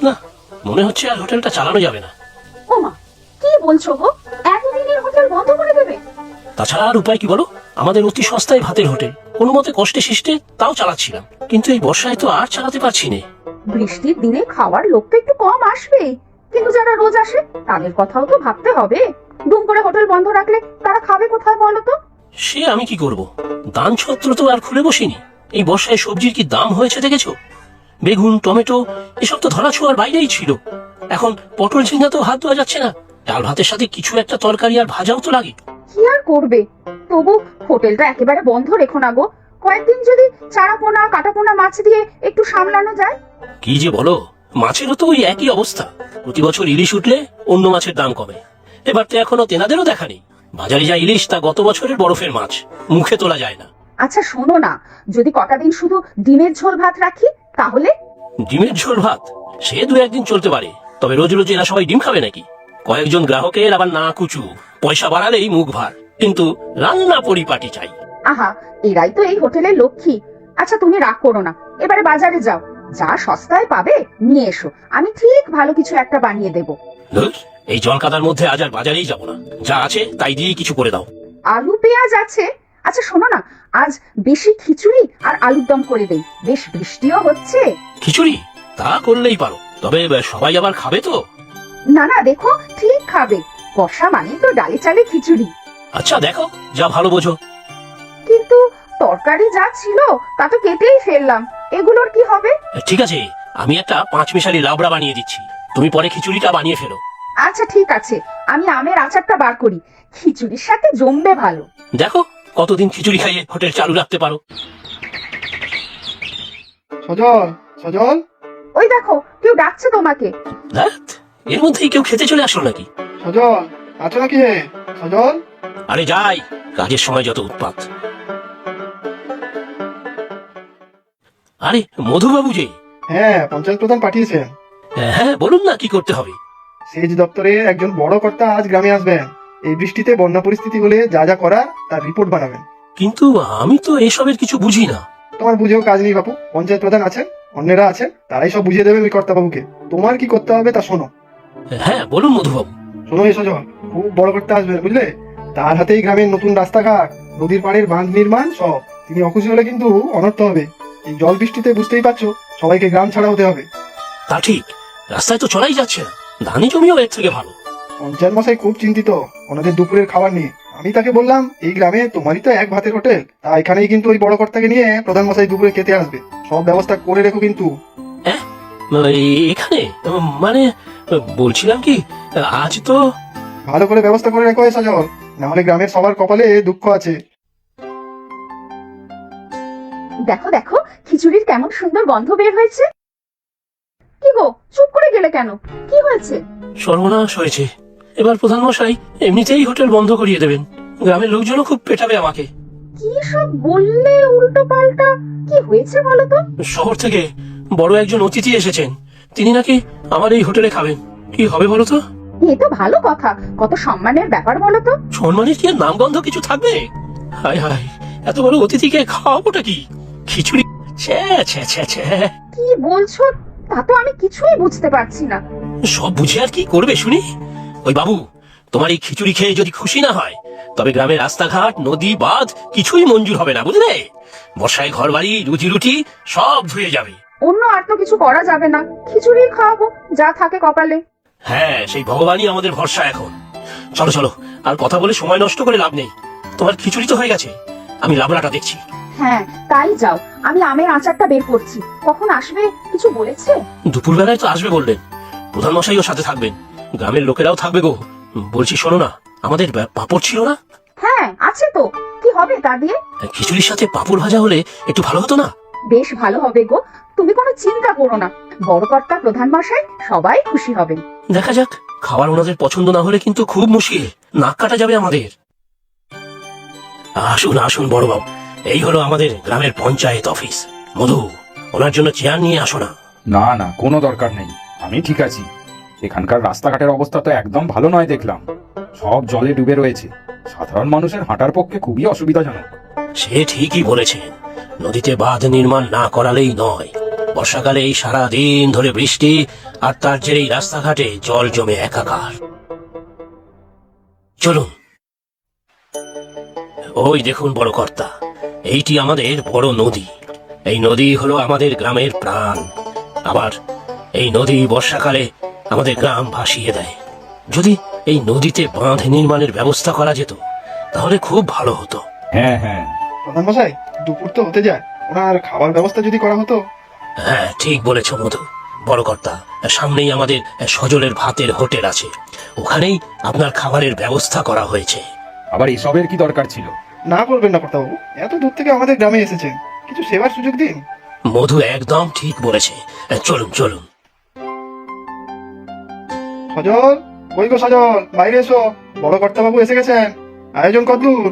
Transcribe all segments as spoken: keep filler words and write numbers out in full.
না, মনে হচ্ছে আর হোটেলটা চালানো যাবে না। ওমা, কি বলছো গো? এতদিনের হোটেল বন্ধ করে দেবে? তাছাড়া আর উপায় কি বলো? আমাদের অতি সস্তায় ভাতের হোটেল, কোনো মতে কষ্টে শিষ্টে তাও চালাচ্ছিলাম, কিন্তু এই বর্ষায় তো আর চালাতে পারছি না। বৃষ্টির দিনে খাওয়ার লোক তো একটু কম আসবে, কিন্তু যারা রোজ আসে তাদের কথাও তো ভাবতে হবে। দুম করে হোটেল বন্ধ রাখলে তারা খাবে কোথায় বলো তো? সে আমি কি করব, দান ছত্র তো আর খুলে বসিনি। এই বর্ষায় সবজির কি দাম হয়েছে দেখেছো? বেগুন, টমেটো এসব তো ধরা ছোঁয়ার বাইরেই ছিল। এখন পটল ঝিঙ্গা তো হাত ধোয়া যাচ্ছে না। ডাল ভাতের সাথে কিছু একটা তরকারি আর ভাজাও তো লাগে। কি আর করবে, তবু হোটেলটা একেবারে বন্ধ রেখো না গো। কয়েকদিন যদি চারা পোনা কাটা পোনা মাছ দিয়ে একটু সামলানো যায়। কি যে বলো, মাছেরও তো ওই একই অবস্থা। প্রতি বছর ইলিশ উঠলে অন্য মাছের দাম কমে। এবার তো এখনো তেনাদেরও দেখা নেই। বাজারে যা ইলিশ তা গত বছরের বরফের মাছ, মুখে তোলা যায় না। আচ্ছা শোনো না, যদি কটা দিন শুধু ডিমের ঝোল ভাত রাখি তাহলে? ডিমের ঝোল ভাত সে দু একদিন চলতে পারে, তবে রোজ রোজ এরা সবাই ডিম খাবে নাকি? কয়েকজন গ্রাহকের আবার না কুচু, পয়সা বাড়ালেই মুখ ভার, কিন্তু রান্না পরিপাটি চাই। আহা, এরাই তো এই হোটেলের লক্ষ্মী। আচ্ছা তুমি রাগ করো না, এবারে বাজারে যাও, যা সস্তায় পাবে নিয়ে এসো, আমি ঠিক ভালো কিছু একটা বানিয়ে দেব। ধুর, এই জলকাদার মধ্যে আজ আর বাজারেই যাব না, যা আছে তাই দিয়েই কিছু করে দাও। আলু পেঁয়াজ আছে। আচ্ছা শোনো না, আজ বেশি খিচুড়ি আর আলুর দম করে দেই, বেশ বৃষ্টিও হচ্ছে। খিচুড়ি? তা করলেই পারো, তবে সবাই আবার খাবে তো? না না, দেখো ঠিক খাবে, বর্ষা মানেই তো ডালে চালে খিচুড়ি। আচ্ছা দেখো, যা ভালো বোঝো। কিন্তু তরকারি যা ছিল তা তো কেটেই ফেললাম, এগুলোর কি হবে? ঠিক আছে, আমি একটা পাঁচ মিশালি লাবড়া বানিয়ে দিচ্ছি, তুমি পরে খিচুড়িটা বানিয়ে ফেলো। আচ্ছা ঠিক আছে, আমি আমের আচারটা বার করি, খিচুড়ির সাথে জমবে ভালো। দেখো কতদিন খিচুড়ি খাইয়ে হোটেল চালু রাখতে পারো। সজল, সজল, ওই দেখো কেউ ডাকছে তোমাকে। ধ্যাৎ, এর মধ্যেই কেউ খেতে চলে আসলো নাকি? সজল, আছো নাকি হে? সজল, আরে যাই, কাজের সময় যত উৎপাত। আরে মধুবাবু যে? হ্যাঁ, পঞ্চায়েত প্রধান পাঠিয়েছেন। হ্যাঁ বলুন না, কি করতে হবে? সেচ দপ্তরে একজন বড় কর্তা আজ গ্রামে আসবেন। এই বৃষ্টিতে বন্যা পরিস্থিতি হলে যা যা করার তার রিপোর্ট বানাবেন। কিন্তু আমি তো এসবের কিছু বুঝি না। তোমার বুঝেও কাজ নেই বাপু, পঞ্চায়েত প্রধান আছেন, অন্যরা আছেন, তারাই সব বুঝিয়ে দেবেন ওই কর্তা বাবুকে। তোমার কি করতে হবে তা শোনো। হ্যাঁ বলুন মধুবাবু। শোনো এ সজল, খুব বড় কর্তা আসবেন বুঝলে, তার হাতেই গ্রামের নতুন রাস্তাঘাট, নদীর পাড়ের বাঁধ নির্মাণ সব। তিনি অখুশি হলে কিন্তু অনর্থ হবে। এই জল বৃষ্টিতে বুঝতেই পারছো, সবাইকে গ্রাম ছাড়া হতে হবে। তা ঠিক, রাস্তায় তো চলাই যাচ্ছে না, ধানি জমিও এর থেকে ভালো। পঞ্চায়েত মশাই খুব চিন্তিত ওনাদের দুপুরের খাবার নিয়ে। আমি তাকে বললাম এই গ্রামে তোমারই তো এক ভাতের হোটেল, তা এখানেই কিন্তু ওই বড় কর্তাকে নিয়ে প্রধান মশাই দুপুরে খেতে আসবে, সব ব্যবস্থা করে রেখো কিন্তু। হ্যাঁ এখানে মানে বলছিলাম কি, আজ তো ভালো করে ব্যবস্থা করে রেখো এ সজল, নাহলে গ্রামের সবার কপালে দুঃখ আছে। দেখো দেখো খিচুড়ির কেমন সুন্দর গন্ধ বের হয়েছে। কি গো, চুপ করে গেলে কেন? কি হয়েছে? সর্বনাশ হয়েছে। এবার প্রধান মশাই এমনিতেই হোটেল বন্ধ করিয়ে দেবেন, গ্রামের লোকজনও খুব পেটাবে আমাকে। কি সব বললে উল্টো পাল্টা, কি হয়েছে বলো তো? শহর থেকে বড় একজন অতিথি এসেছেন, তিনি নাকি আমার এই হোটেলে খাবেন। কি হবে বলো তো? এ তো ভালো কথা, কত সম্মানের ব্যাপার বলো তো। সম্মানের কি আর নামগন্ধ কিছু থাকবে? হায় হায়, এত বড় অতিথিকে খাওয়াবোটা কি? খিচুড়ি? ছ্যা ছ্যা ছ্যা ছ্যা। কি বলছো তা তো আমি কিছুই বুঝতে পারছি না। সব বুঝে আর কি করবে শুনি? ওই বাবু, তোমার এই খিচুড়ি খেয়ে যদি খুশি না হয়, তবে গ্রামের রাস্তাঘাট, নদী, বাঁধ কিছুই মঞ্জুর হবে না, বুঝলে? বর্ষায় ঘর বাড়ি, রুজি রুটি সব ধুয়ে যাবে। অন্য আর তো কিছু করা যাবে না, খিচুড়ি খাওয়াবো যা থাকে কপালে। হ্যাঁ, সেই ভগবানই আমাদের ভরসা এখন। চলো চলো, আর কথা বলে সময় নষ্ট করে লাভ নেই। তোমার খিচুড়ি তো হয়ে গেছে, আমি লাবড়াটা দেখছি। হ্যাঁ তাই যাও, আমি আমের আচারটা বের করছি। কখন আসবে কিছু বলেছে? দুপুর বেলায় তো আসবে বললেন, প্রধান মশাইও সাথে থাকবেন, গ্রামের লোকেরাও থাকবে গো। বলছি শোনো না, আমাদের পাঁপড় ছিল না? হ্যাঁ আছে তো, কি হবে তা দিয়ে? খিচুড়ির সাথে পাঁপড় ভাজা হলে একটু ভালো হতো না? বেশ ভালো হবে গো, তুমি কোনো চিন্তা করো না, বড় কর্তা প্রধান মশাই সবাই খুশি হবেন। দেখা যাক, খাবার ওনাদের পছন্দ না হলে কিন্তু খুব মুশকিল, নাক কাটা যাবে আমাদের। আসুন আসুন বড় বাবু, এই হলো আমাদের গ্রামের পঞ্চায়েত অফিস। মধু, ওনার জন্য চেয়ার নিয়ে আসো না। না না, কোনো দরকার নেই, আমি ঠিক আছি। এখানকার রাস্তাঘাটের অবস্থা তো একদম ভালো নয় দেখলাম, সব জলে ডুবে রয়েছে, সাধারণ মানুষের হাঁটার পক্ষে খুবই অসুবিধাজনক। সে ঠিকই বলেছেন, নদীতে বাঁধ নির্মাণ না করালেই নয়। বর্ষাকালে এই সারা দিন ধরে বৃষ্টি, আর তার জেরেই রাস্তাঘাটে জল জমে একাকার। চলুন, ওই দেখুন বড় কর্তা, এইটি আমাদের বড় নদী। এই নদী হলো আমাদের গ্রামের প্রাণ। আবার এই নদী বর্ষাকালে আমাদের গ্রাম ভাসিয়ে দেয়। যদি এই নদীতে বাঁধ নির্মাণের ব্যবস্থা করা যেত তাহলে খুব ভালো হতো। হ্যাঁ হ্যাঁ, প্রধান মশাই, দুপুর তো হতে যায়, ওনার খাবার ব্যবস্থা যদি করা হতো। হ্যাঁ, ঠিক বলেছ মধু। বড় কর্তা, সামনেই আমাদের সজলের ভাতের হোটেল আছে, ওখানেই আপনার খাবারের ব্যবস্থা করা হয়েছে। আবার এসবের কি দরকার ছিল? না করবেন না কর্তাবাবু, এত দূর থেকে আমাদের গ্রামে এসেছেন, কিছু সেবার সুযোগ দিন। মধু একদম ঠিক বলেছে। চলুন চলুন। সজল, ওই গো সজল, বাইরে এসো, বড় কর্তাবাবু এসে গেছেন। আয়োজন কতদূর?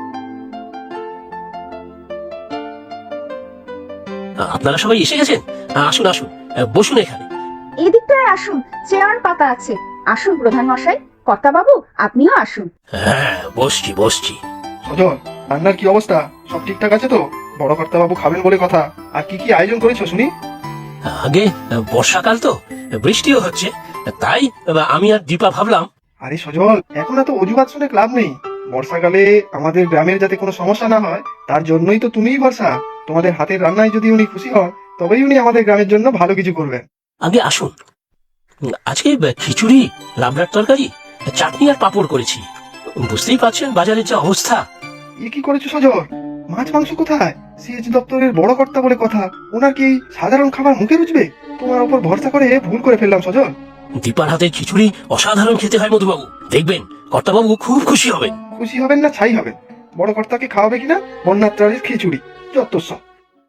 আপনারা সবাই এসে গেছেন? আসুন আসুন, বসুন এখানে। এদিকটায় আসুন, চেয়ার পাতা আছে। আসুন প্রধান মশাই, কর্তা বাবু আপনিও আসুন। হ্যাঁ, বসছি বসছি। সজল, রান্নার কি অবস্থা? সব ঠিকঠাক আছে তো? বড় কর্তাবাবু খাবেন বলে কথা। আর কি কি আয়োজন করেছো শুনি? আগে বর্ষাকাল তো, বৃষ্টিও হচ্ছে, তাই আমি আর দীপা ভাবলাম। আরে সজল, এখন এত অজুহাত শুনে ক্লাব নেই। বর্ষাকালে আমাদের গ্রামের যাতে কোনো সমস্যা না হয় তার জন্যই তো তুমিই ভরসা। তোমাদের হাতের রান্নায় যদি উনি খুশি হন তবেই উনি আমাদের গ্রামের জন্য ভালো কিছু করবেন। আগে আসুন। আজকে খিচুড়ি, লাবড়ার তরকারি, চাটনি আর পাঁপড় করেছি। বুঝতেই পারছেন বাজারের যা অবস্থা। এ কি করেছো সজল? মাছ মাংস কোথায়? সিএচ দপ্তরের বড় কর্তা বলে কথা, ওনার কি সাধারণ খাবার মুখে রুচবে? তোমার উপর ভরসা করে ভুল করে ফেললাম সজল। দীপার হাতের খিচুড়ি অসাধারণ খেতে হয় মধুবাবু, দেখবেন কর্তাবাবু খুব খুশি হবেন। খুশি হবেন না ছাই হবেন? বড় কর্তাকে খাওয়াবে কিনা বন্যাত্রাণের খিচুড়ি, যত সব।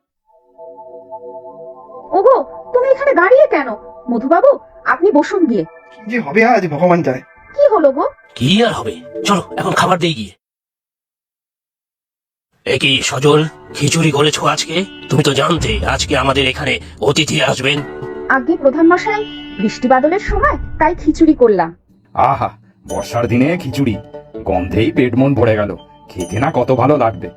ওগো, তুমি এখানে দাঁড়িয়ে কেন? মধুবাবু আপনি বসুন গিয়ে। কি যে হবে আজ ভগবান জানে। কি হলো গো? কি আর হবে, চলো এখন খাবার দিয়ে গিয়ে। একই সজল, খিচুড়ি করেছো আজকে? তুমি তো জানতে আজকে আমাদের এখানে অতিথি আসবেন। আগে প্রধান মশাই, বৃষ্টি বাদলের সময় তাই খিচুড়ি করলাম। আহা, বর্ষার দিনে খিচুড়ি, গন্ধেই পেট মন ভরে গেল। খেতে না কত ভালো লাগবে।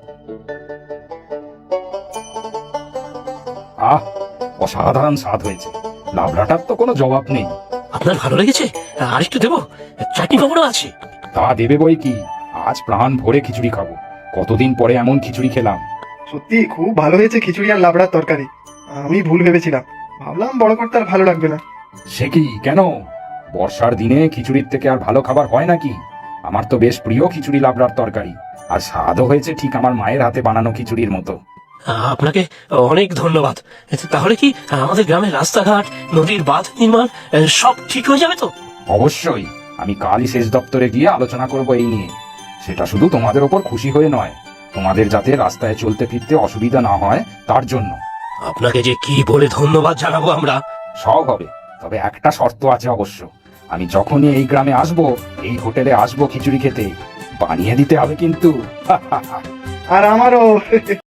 আহ, অসাধারণ স্বাদ হয়েছে। লাবড়াটার তো কোনো জবাব নেই। আপনার ভালো লেগেছে? আরেকটু দেবো? চাটনি পাঁপড়ও আছে। তা দেবে বই কি, আজ প্রাণ ভরে খিচুড়ি খাবো। কতদিন পরে এমন খিচুড়ি খেলাম। সত্যি খুব ভালো হয়েছে খিচুড়ি আর লাবড়ার তরকারি। আমি ভুল ভেবেছিলাম, ভাবলাম বড় কর্তার ভালো লাগবে না। সে কি, কেন? বর্ষার দিনে খিচুড়ির থেকে আর ভালো খাবার হয় নাকি? আমার তো বেশ প্রিয় খিচুড়ি লাবড়ার তরকারি, আর স্বাদও হয়েছে ঠিক আমার মায়ের হাতে বানানো খিচুড়ির মতো। আপনাকে অনেক ধন্যবাদ। তাহলে কি আমাদের গ্রামের রাস্তাঘাট, নদীর বাঁধ নির্মাণ সব ঠিক হয়ে যাবে তো? অবশ্যই, আমি কালই সেচ দপ্তরে গিয়ে আলোচনা করব এই নিয়ে। সেটা শুধু তোমাদের ওপর খুশি হয়ে নয়, তোমাদের যাতে রাস্তায় চলতে ফিরতে অসুবিধা না হয় তার জন্য। আপনাকে যে কি বলে ধন্যবাদ জানাবো আমরা। সব হবে, তবে একটা শর্ত আছে অবশ্য। আমি যখনই এই গ্রামে আসবো, এই হোটেলে আসবো খিচুড়ি খেতে, বানিয়ে দিতে হবে কিন্তু। আর আমারও।